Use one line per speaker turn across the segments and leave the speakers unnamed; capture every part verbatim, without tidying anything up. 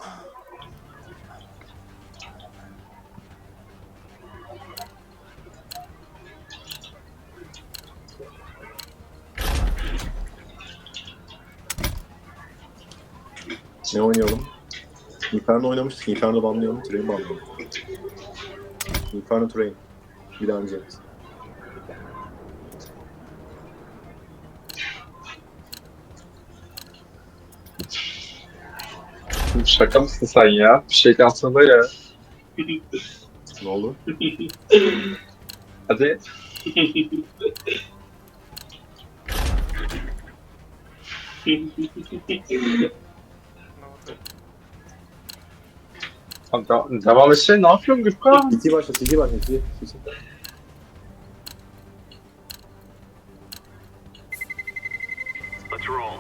Ne oynayalım? Inferno oynamıştık. Inferno banlayalım. Train banlayalım. Inferno Train. Bir daha oynayacağız.
Şaka mısın sen ya? Bir şey kalsana ya.
Ne oldu?
Hadi. Tamam, devam, devam etsene. Ne yapıyorsun Gürkan?
C T başla, C T başla, C T.
Let's roll.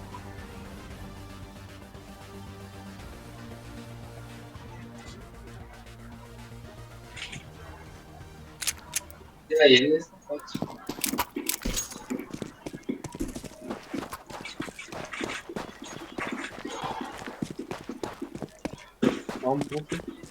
Ya yeni nesil kaç?
Tamam, bu.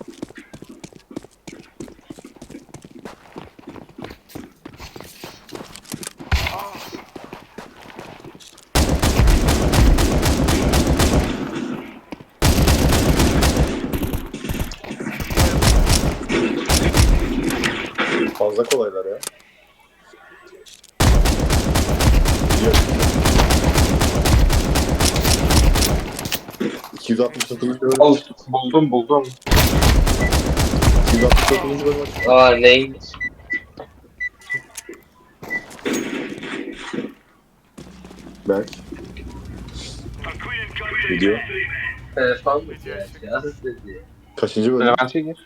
Fazla kolaylar ya. Gidiyor. iki yüz altmış dokuzuncu bölüm.
Al, buldum buldum.
iki yüz altmış dokuzuncu bölüm açık.
Aa neymiş?
Berk. Gidiyor.
Telefon mu ya? Yaz dedi.
Kaçıncı bölüm?
Levent'e gir.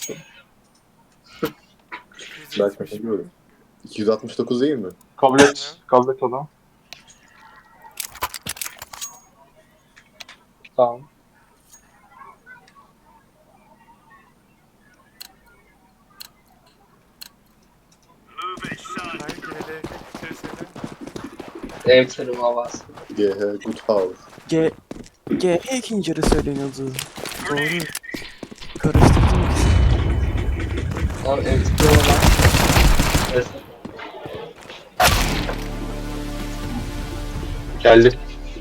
Berk kaçıncı bölüm? iki yüz altmış dokuz değil mi?
Kabul et. Kabul et onu. Tamam.
Hayır, yine de bitirseydim.
Ev tarıma bastı.
G H Good House.
G G ikinci yarı söyleniyordu. Doğru. Karıştırdım ikisini.
Tamam ev tarıma bastı. Evet.
Geldi.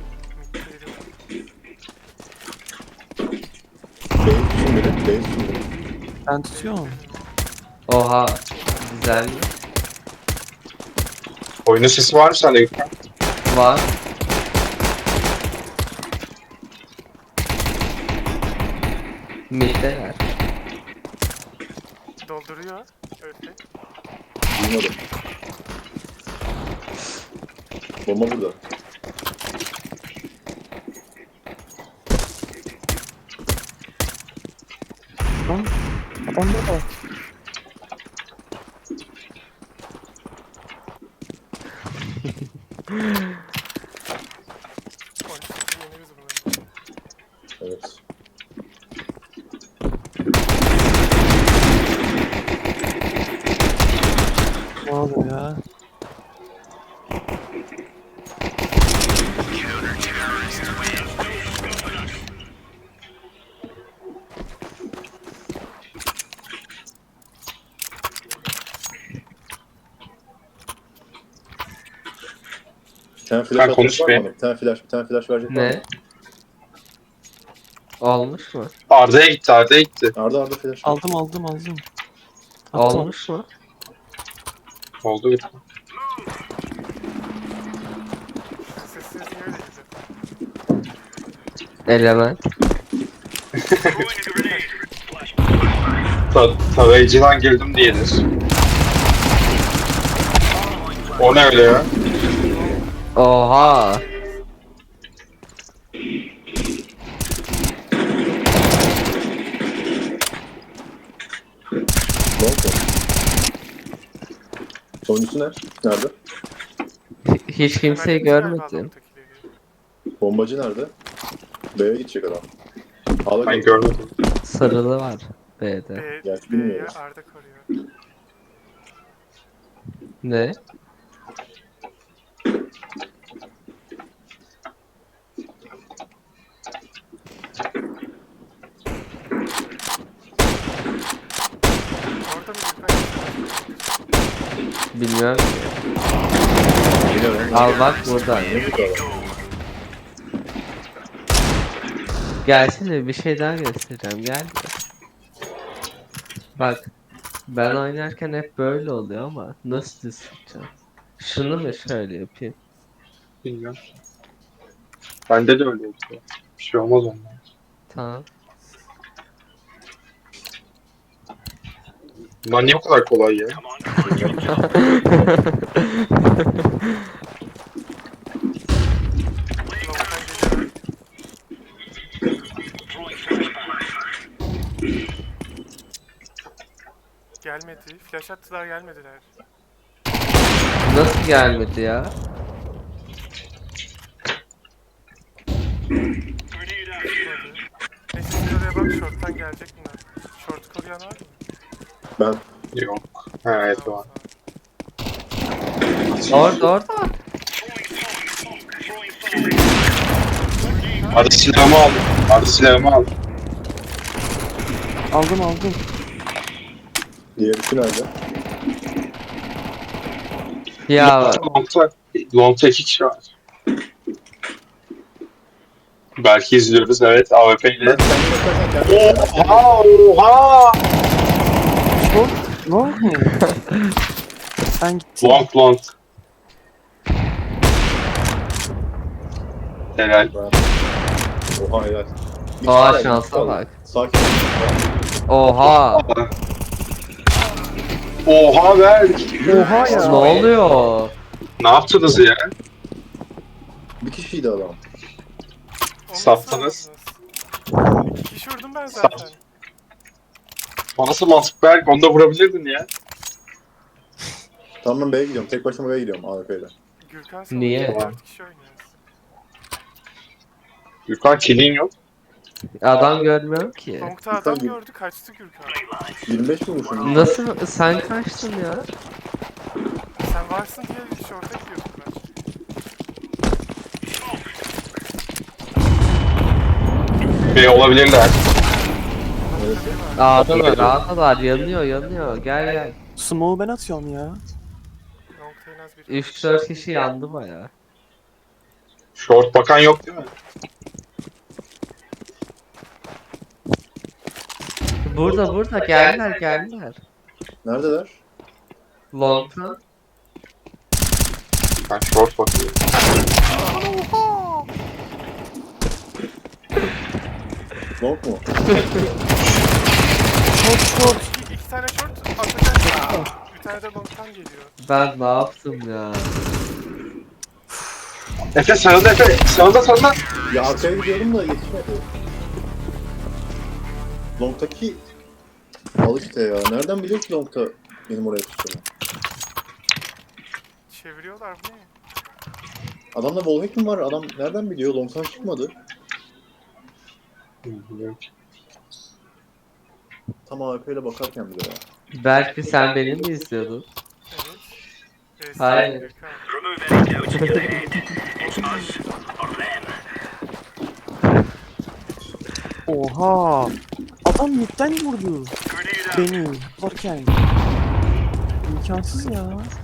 B'yi tutun beni. B'yi tutun beni.
Ben tutuyorum.
Oha. Güzel mi?
Oyunun sesi var mı sende Gürkan?
Var. Middeler.
Dolduruyor. Öyle.
Duymadım. Bomba burada.
Lan adam burada.
Politik yeneriz bunu.
Evet.
Ne oluyor ya?
Bir tane flash
Ben
atacak
konuş
var
be.
mı? Bir tane flash, bir tane flash verecek var mı?
Ne? Olmuş mu?
Arda'ya gitti, Arda'ya gitti.
Arda Arda flash.
Aldım aldım aldım. Attım.
Olmuş mu?
Oldu Gürkan.
Sessiz niye öyle gidiyor?
Element.
Ta tarayıcıdan girdim diyedir. O ne öyle ya?
Oha.
Ne oldu? Sonuncusu ne? Nerede?
Hiç kimseyi
Verdiniz galiba
görmedim.
adamdakileri.
Bombacı nerede? B'ye gidecek adam. A'da
Ben
kaldı.
görmedim.
Sarılı var B'de.
B,
Gerçi
B'ye
bilmiyoruz.
Arda koruyor.
Ne? Bilmiyorum.
Biliyorum.
Al bak burada.
Ne bu kadar?
Gelsene bir şey daha göstereceğim. Gel. Bak. Ben oynarken hep böyle oluyor ama nasıl düz tutacağım? Şunu mu şöyle yapayım?
Bilmiyorum. Bende de öyle oldu. Bir şey olmaz ondan.
Tamam.
Bunlar niye o kadar kolay ya?
Long'dan geliyor. Gelmedi. Flash attılar gelmediler.
Nasıl gelmedi ya?
Çıkmadı. Neyse siz oraya bak short'tan gelecek bunlar. Short koruyan var mı?
Ben
Yok. Ha, evet var.
Orada orada.
Hadi silahımı al. Hadi silahımı al.
Aldım aldım.
diğerisi nerede?
Ya
Long'ta, Long'ta iki kişi var. Belki izliyoruz, evet, A W P ile.
Ben kendime bakarsan kendime
Oha! Oha!
Ne oldu? Sen gittin.
Long long. Helal.
Oha helal. Bir
Aa,
tane
şansa
kaldı.
bak.
Sakin ol.
oha.
Oha ver.
Oha ya.
Ne oluyor?
Ne yaptınız ya?
Bir kişiydi adam.
Onu nasıl
Saptınız.
aldınız? İki kişi vurdum ben zaten.
Sap. O nasıl mantık Berk? Onu da vurabilirdin ya.
Tamam ben B'ye gidiyorum. Tek başıma B'ye gidiyorum A W P'yle.
Gürkan
Niye?
sanırım dört kişi oynuyoruz.
Gürkan killin yok.
Adam görmüyorum ki.
Long'ta adam
Gürkan-
gördü kaçtı Gürkan.
yirmi beş mi vurmuşum?
Nasıl sen kaçtın ya?
Sen varsın diye short'a gidiyordum ben.
B olabilirler.
Evet.
A'dalar A'dalar yanıyor yanıyor gel gel.
Smoke'u ben atıyorum ya.
Long'ta en az biri.
üç dört kişi yandı baya.
Short bakan yok değil mi?
Burada burada geldiler geldiler.
Neredeler?
Long'tan.
Ben short bakıyorum.
Long mu?
Short short.
İki, iki tane short atacak. Bir tane de long'tan geliyor.
Ben ne yaptım ya?
Efe sağında Efe. Sağında sağında.
Ya arkaya gidiyorum da yetişmedi. Long'taki... Al işte ya. Nereden biliyor ki Long'ta benim oraya tuttuğumu?
Çeviriyorlar bu ne?
Adamda wallhack mi var? Adam nereden biliyor? Long'tan çıkmadı. Tam A W P ile bakarken bile ya.
Belki sen beni mi izliyordun?
Evet. Evet,
Hayır.
Gürkan.
Oha. Adam midden vurdu. Beni varken. İmkansız ya.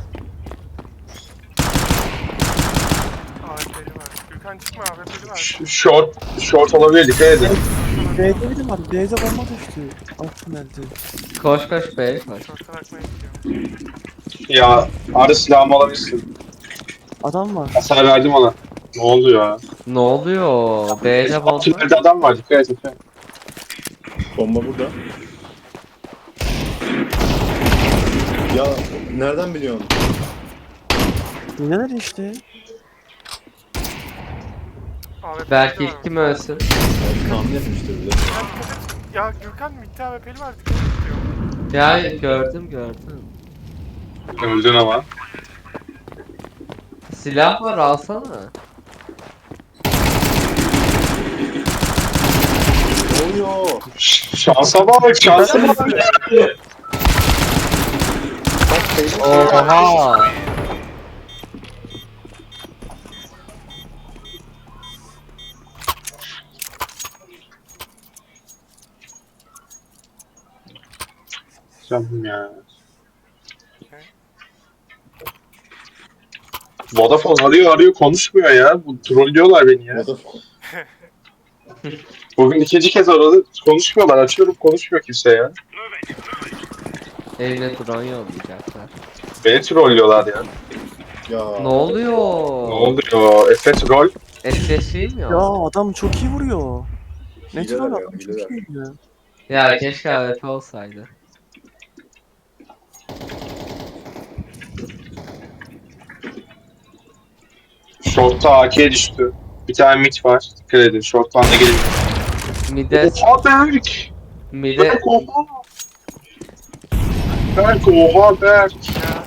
A W P'li var. Gürkan çıkma A W P'li var.
Ş- Short, short olabilir, dikkat edin.
B'de biri var. B'de bomba düştü. Alt tünelde.
Koş koş be koş.
Short'a bakmaya gidiyorum.
Ya, arı silahımı alabilirsin.
Adam var.
Hasar verdim ona. Ne oldu ya?
Ne oluyor? B'de bomba.
Tünelde adam var, dikkat et Efe.
Bomba burada. Ya nereden biliyorsun?
Neler işte.
A W P'li
Belki
de var.
ilk kim ölsün?
Yani tahmin etmiştir bile.
Ya dikkat et. Ya Gürkan midde A W P'li var dikkat et diyor.
Ya gördüm gördüm.
Öldün ama.
Silah var alsana.
Ne oluyor?
Ş- şansa bak, şansa bak.
Bak şey
Oha.
Canım ya. Vodafone arıyor arıyor konuşmuyor ya. Bu trollüyorlar beni ya.
Vodafone.
Bugün ikinci kez aradı. Konuşmuyorlar. Açıyorum konuşmuyor kimse ya.
Evine drone yollayacaklar.
Beni trollüyorlar ya.
Ya.
Ne oluyor?
Ne oluyor? Efe troll.
S S değil mi
Ya
o?
adam çok iyi vuruyor. Ne
Hileler
troll
ya,
adam çok
hileler.
iyi ya.
Ya keşke A W P olsaydı.
Short'ta A K düştü. Bir tane mid var. Dikkat edin. Short'tan da gelin.
Mide,
Oha Berk!
mide,
Berk oha! Berk oha Berk!
Ya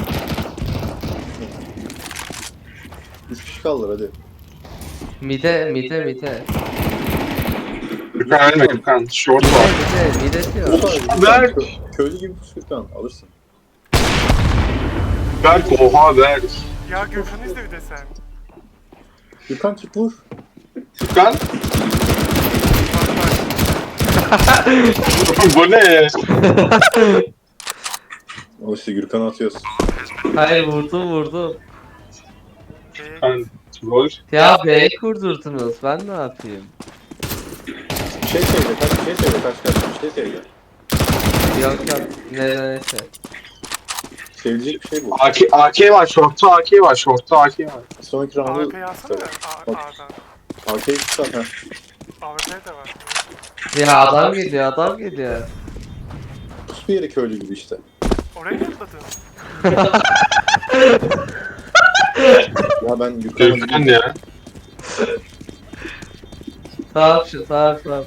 Üç kişi kaldılar hadi.
mide, mide, mide.
Gürkan ölme Gürkan. Short
Mide,
var.
mide, mide diyor.
Gürkan,
Berk!
kö- Köylü gibi pus Gürkan alırsın.
Berk oha Berk!
ya Gökhan'ı izle bir de sen.
Gürkan çık vur.
Gürkan?
Bak bak.
Bu ne?
O işte Gürkan'ı atıyoruz.
Hayır vurdum vurdum.
Ee,
Ben troll.
Ya B'yi kurdurdunuz. Ben ne yapayım?
Bir şey söyle kaç bir şey söyle kaç kaç bir şey söyle.
Yok yok. Nedense.
Sevilecek bir şey bu.
AK, AK var. Short'ta AK var. Short'ta AK var.
Sonraki
A W
roundu
P'yi alsana
söyle.
A- A'dan.
A K'yi tutar ha.
A W P de var.
Ya adam geliyor adam geliyor.
Pus bir yere köylü gibi işte.
Oraya mı atladın?
Ya ben Gürkan'a
Gürkan ya.
Tamam şu tamam tamam.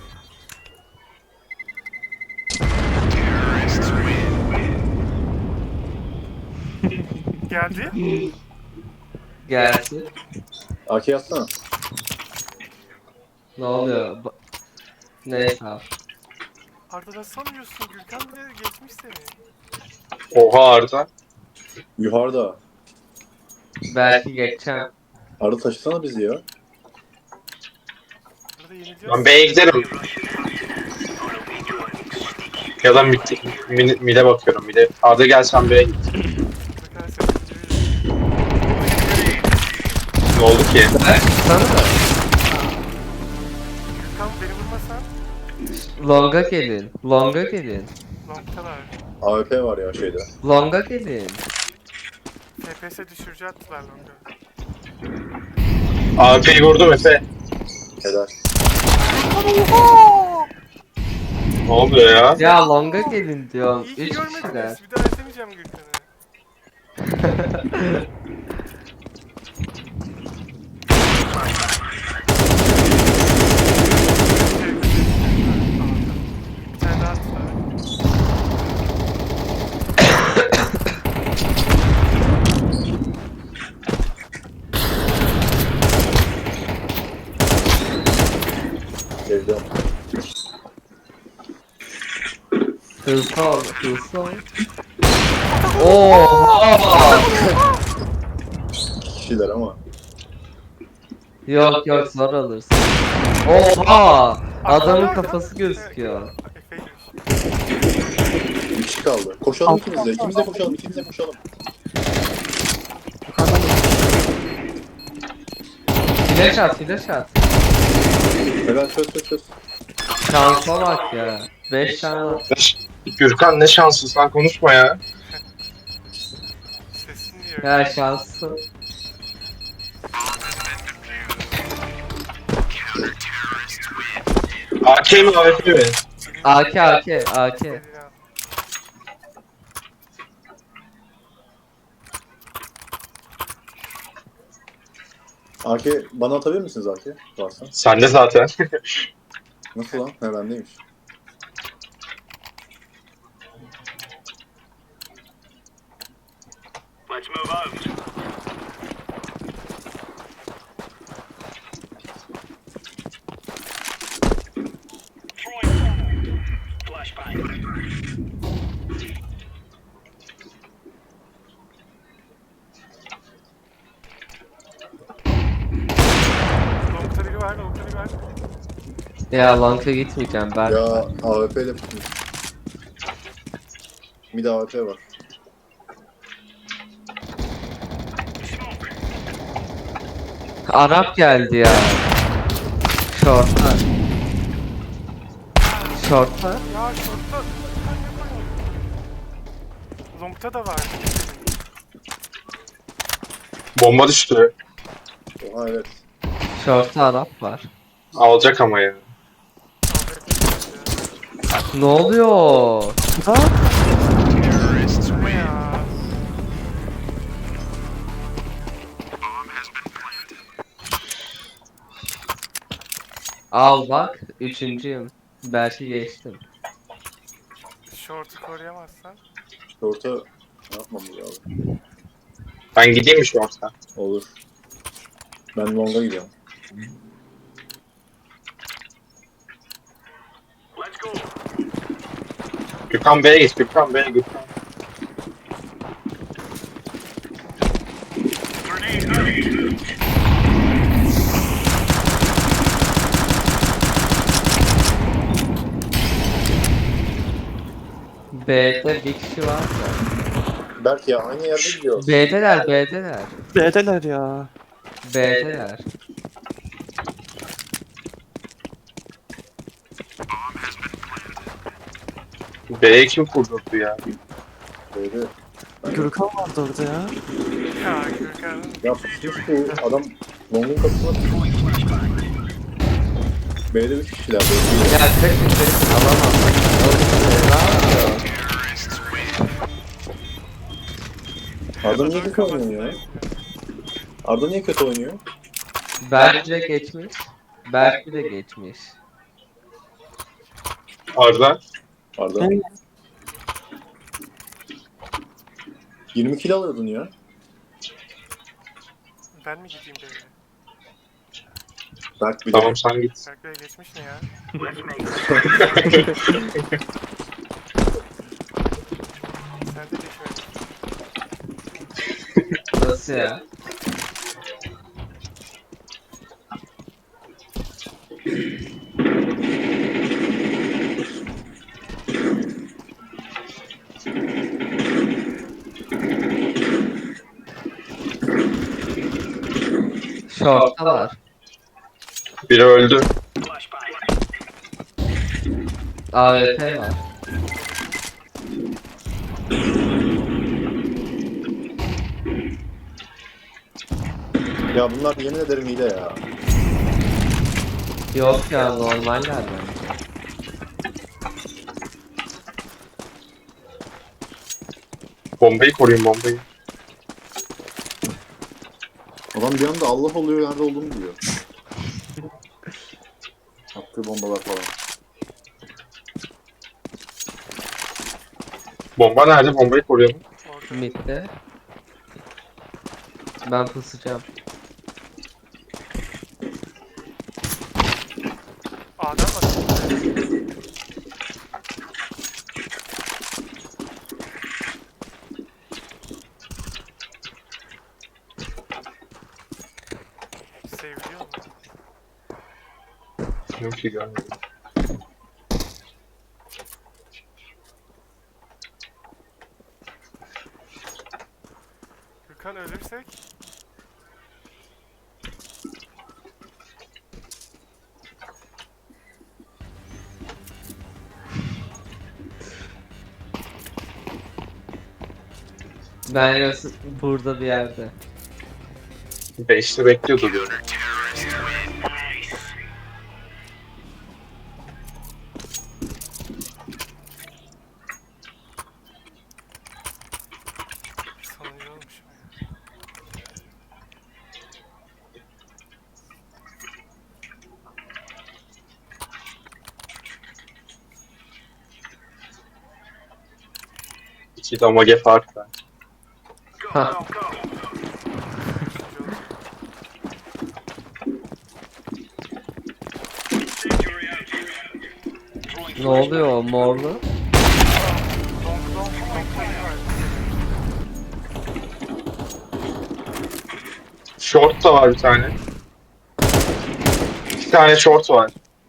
Geldi.
Gelsin.
A K atsana.
Ne oluyor? Ba- Neyse abi.
Arda ne sanıyorsun? Gürkan bile geçmiş seni.
Oha Arda.
Yuharıda.
Belki geçeceğim.
Arda taşısana bizi ya.
Arda yeniliyor.
Ben B'ye giderim. Ya da mid, mid, mid'e bakıyorum. Mid'e. Arda gel sen B'ye git.
Gürkan sen değil.
Ne oldu ki?
Sana da.
Gürkan beni vurmasan
Longa gelin. Longa gelin.
longtalar.
A W P var ya şeyde.
Longa gelin.
F P S düşürücü attılar longa.
A P'yi vurdum Efe.
Helal.
Ne oluyor ya?
Ya longa gelin diyorum.
İyi ki
Üç kişiler.
görmediniz. Bir daha izlemeyeceğim Gürkan'ı. Bir tane daha attılar.
Evde.
Hızlı ol, hızlı ol. Oha!
İki kişiler ama.
Yok yok zor alırsın. Oha! Adamın kafası gözüküyor.
Efeymiş.
Bir kişi kaldı. Koşalım ikimiz de. İkimiz de koşalım. İkimiz de koşalım.
Flash at, flash at.
Helal çöz çöz çöz.
Şansa bak ya. beş tane var.
Gürkan ne şanssız sen konuşma ya.
Sesin niye öyle?
Ya şanslı.
A K mi A W P mi?
A K, A K, A K.
A K bana atabilir misiniz A K? Varsa.
Sende zaten.
Nasıl lan? He bendeymiş.
Longta biri var, longta biri var.
Ya longa gitmeyeceğim ben.
Ya A W P ile tutmuş. Mid A W P var.
Arap geldi ya. Short'a. Short'a.
Ya şortta. Long'ta da var.
Bomba düştü.
Oha evet.
Short'a Arap var.
Alacak ama ya.
Ne oluyor?
Ha?
Ne ya?
Al bak. Üçüncüyüm. Belki geçtim.
Short'u koruyamazsan.
Orta ne yapmamız lazım?
Ben gideyim mi şu orta?
Olur. Ben longa gidiyorum.
Gökhan B'ye git, Gökhan B'ye git.
B'de bir kişi var da.
Berk ya aynı yerde gidiyoruz.
B'deler, B'deler.
B'deler ya.
B'deler.
B'ye kim kurdurdu ya?
Böyle.
Gürkan vardı orada ya.
Ya Gürkan'ın
Ya pusmuş bu adam longun kapısına pusmuş. B'de üç kişiler. B'de
Ya kaçın kaçın alamam. Ne yapıyor?
Arda niye kötü oynuyor ya? Arda niye kötü oynuyor?
Berk de geçmiş. Berk de geçmiş.
Arda.
Arda.
Evet.
yirmi kilo alıyordun ya.
ben mi gideyim böyle?
Berk bir
Tamam sen git.
Berk Bey geçmiş mi ya? Sen de geç öyle.
Nasıl ya? Short'ta var.
Biri öldü.
A W P var.
Ya bunlar yemin ederim hile ya.
Yok ya normaller bence.
Bombayı koruyun bombayı.
Adam bir anda Allah oluyor nerede olduğunu biliyor. Attığı bombalar falan.
Bomba nerede? Bombayı koruyalım.
Orada.
Mid'de. Ben pusacağım.
A'dan mı? Seviliyor mu?
Yok ki görmedim.
Gürkan ölürsek?
Ben burada bir yerde.
Beşte bekliyordu diyorum.
Sonuncu olmuş mu ya?
İki damage fark var.
Ha. Ne oluyor o morlu?
Long long long sayı var.
Short da var bir tane. İki tane short var.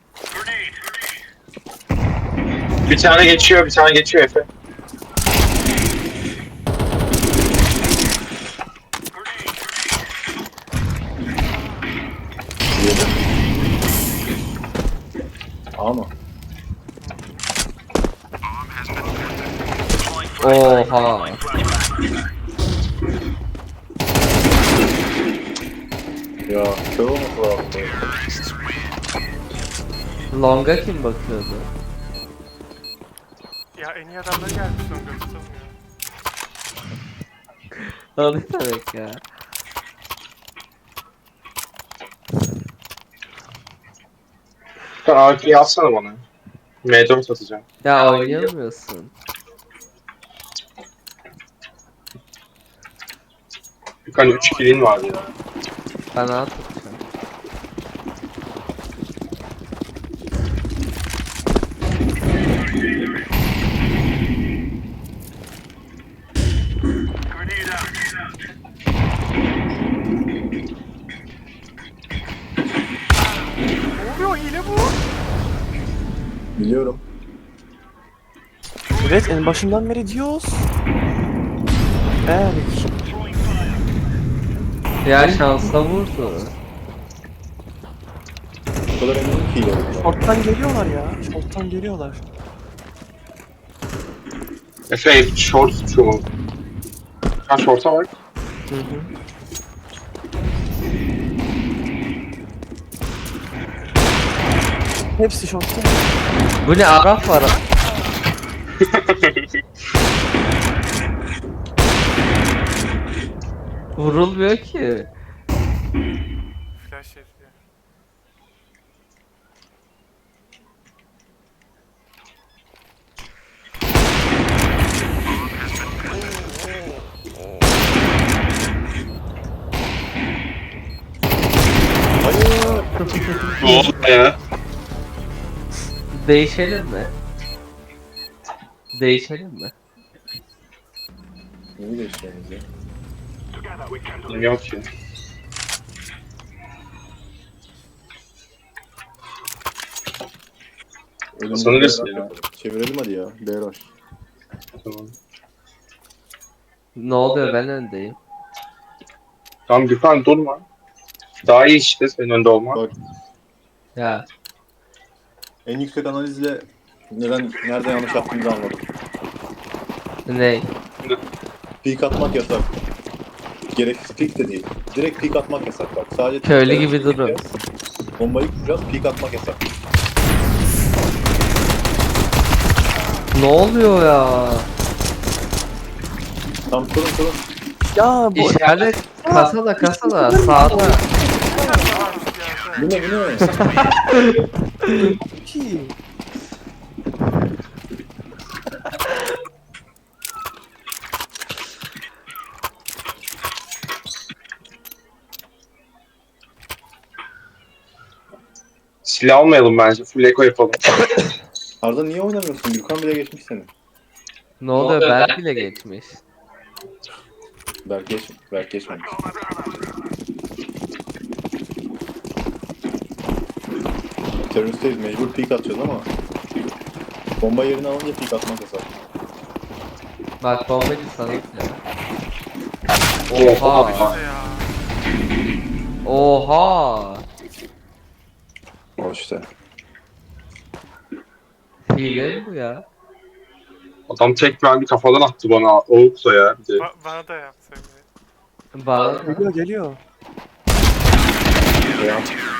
Bir tane geçiyor, bir tane geçiyor Efe.
Ama
Oha.
ya kör olması lazım.
Long'a kim bakıyordu?
Ya en iyi adamları gelmiş son göstermiyor.
O ne demek ya?
Sen A K'yi atsana bana. M dört atacağım.
Ya oynayamıyorsun.
Bir tane üç kill'in var ya.
Ben A tutacağım.
Ne oluyor, hile bu?
Biliyorum.
Evet en başından beri diyoruz. Berk.
Ya şansla vurdu.
O kadar eminim ki iyi.
Short'tan geliyorlar ya. Short'tan geliyorlar.
Efe short şu. Ha short'a bak.
Hı hı.
Hepsi short'tan.
Bu ne Arap var? Vurulmuyor ki.
Flash yedi.
Ne oldu ya?
Değişelim mi? Değişelim mi?
Neyi değiştireceğiz ya?
Yok ki.
Önümüzde
Sanırız
B R H
ya.
yapalım. Çevirelim hadi ya. B R H.
Tamam.
Ne oluyor ben öndeyim.
Tamam Gökhan durma. Daha iyi işte senin önde olmak.
Bak
Ya
en yüksek analizle neden nerede yanlış yaptığımızı anladım.
ne?
Peek atmak yasak. Gereksiz peek de değil. Direkt peek atmak yasak bak. Sadece
Köylü
peek
gibi durun.
gideceğiz. Bombayı kuracağız, peek atmak yasak.
Ne oluyor ya?
Tam kurun kurun.
Ya bu
İşaret kasada kasada sağda.
Bu ne bu ne?
ki.
Silah almayalım bence. Full eco yapalım.
Arda niye oynamıyorsun? Gürkan bile geçmiş seni.
Ne oluyor Berk bile geçmiş.
Berk geç, Berk geçmemiş. Teröristteyiz, mecbur peek atacağız ama bomba yerini alınca peek atmak yasak.
Bak bombacı sana ya.
Oha.
Oha.
Ya.
Oha.
O işte.
Hile mi bu ya?
Adam tek bir kafadan attı bana. Oğuksa ya. Bir de.
Ba bana da yaptı öyle.
Bana da.
Geliyor geliyor.
Veya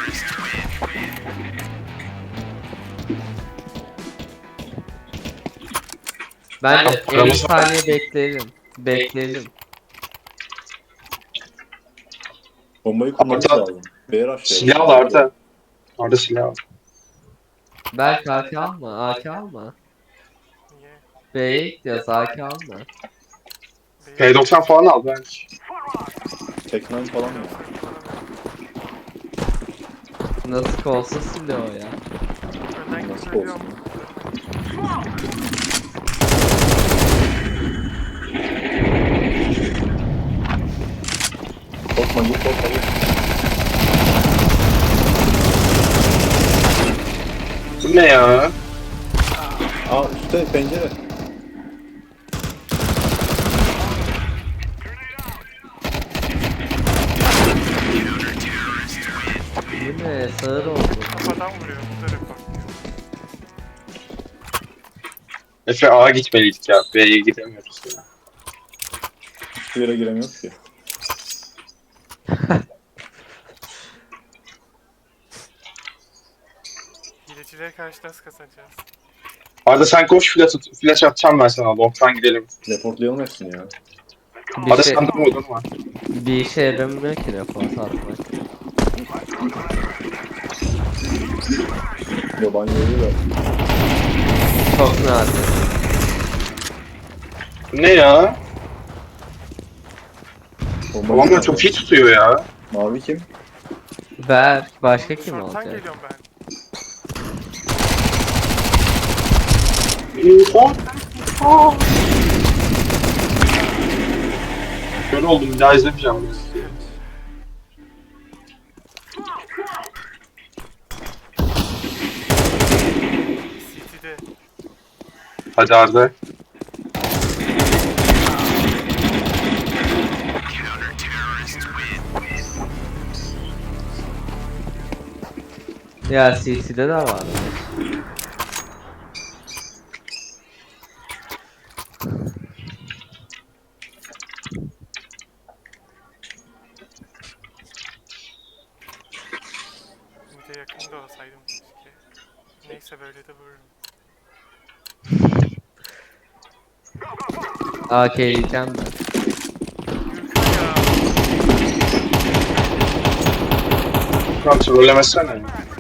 Ben
Tamam,
elli saniye bekleyelim. Bekleyelim.
bombayı kurmamız
Arda,
lazım. B R H
Silah al Arda. Arda silah al.
Berk A K alma, A K alma.
Niye?
B'ye gidiyoruz, A K alma.
P doksan falan al belki.
Tek nine falan ya.
Nasıl kolsuz silah o ya.
Önden
Nasıl
gidip ölüyorum.
olsun? Korkma git korkma git.
Bu ne ya?
Aa üstte pencere.
Bu ne? Sağır oldu.
Kafadan vuruyor. Bu da report diyor.
Efe A'ya gitmeliydik ya. B'ye gidemiyoruz ya.
Hiçbir yere giremiyoruz ki.
Hilecilere karşı nasıl kazanacağız?
Arda sen koş flash, at- flash atacağım ben sana. Long'tan gidelim.
Reportlayalım hepsini ya.
Bir
Arda
şey,
sen durma durma.
bir işe yaramıyor ki report atmak.
Yaban yolu da.
Çok nadir.
Ne ya?
Bomba
Babam da
gitmedi.
çok iyi tutuyor ya.
Mavi kim?
Berk başka kim
Short'tan
olacak?
geliyorum ben.
Oha! Kör oldum bir daha izlemeyeceğim. bunu.
City'de.
Hadi Arda.
Ya C C'de de var.
Bir de yakında olsaydım keşke. Neyse böyle de vururum.
A K yiyeceğim ben.
Gürkan ya.
Lan trollemesene.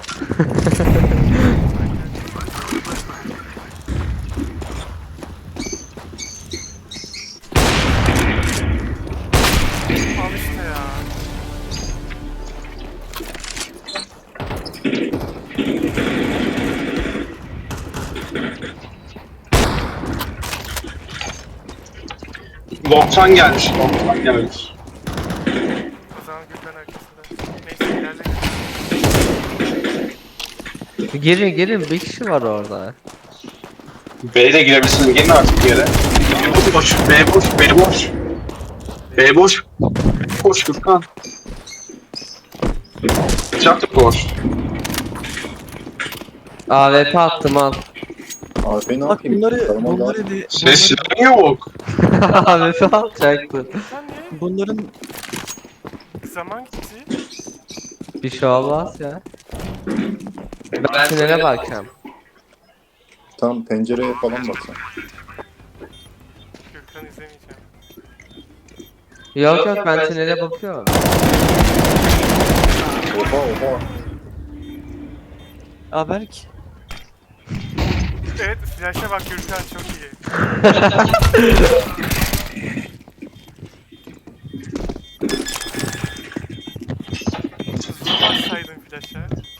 Al işte ya.
Long'tan gelmiş. Long'tan gelmiş.
O zaman Gürkan arkasında. Neyse ilerle Gürkan.
Girin girin bir kişi var orada.
B'ye de girebilirsiniz. Gelin artık bir yere. B boş. B boş. B boş. B boş. Koş Gürkan. Bıçak da koş.
A W P attım al.
Abi ne
Bak
yapayım?
bunları,
Sarmal
bunları
lazım.
de,
Ses
bunları,
yok.
A W P atacaktı.
Sen niye?
bunların
Zaman gitti.
Bir şey olmaz ya. Ben tünele bakacağım.
Tam pencereye falan baksan.
Gürkan izlemeyeceğim.
Yok yok ben tünele bakıyorum.
Oha oha.
Aberk.
Evet flash'a bak Gürkan çok iyi. Hızlı bassaydın flash'a.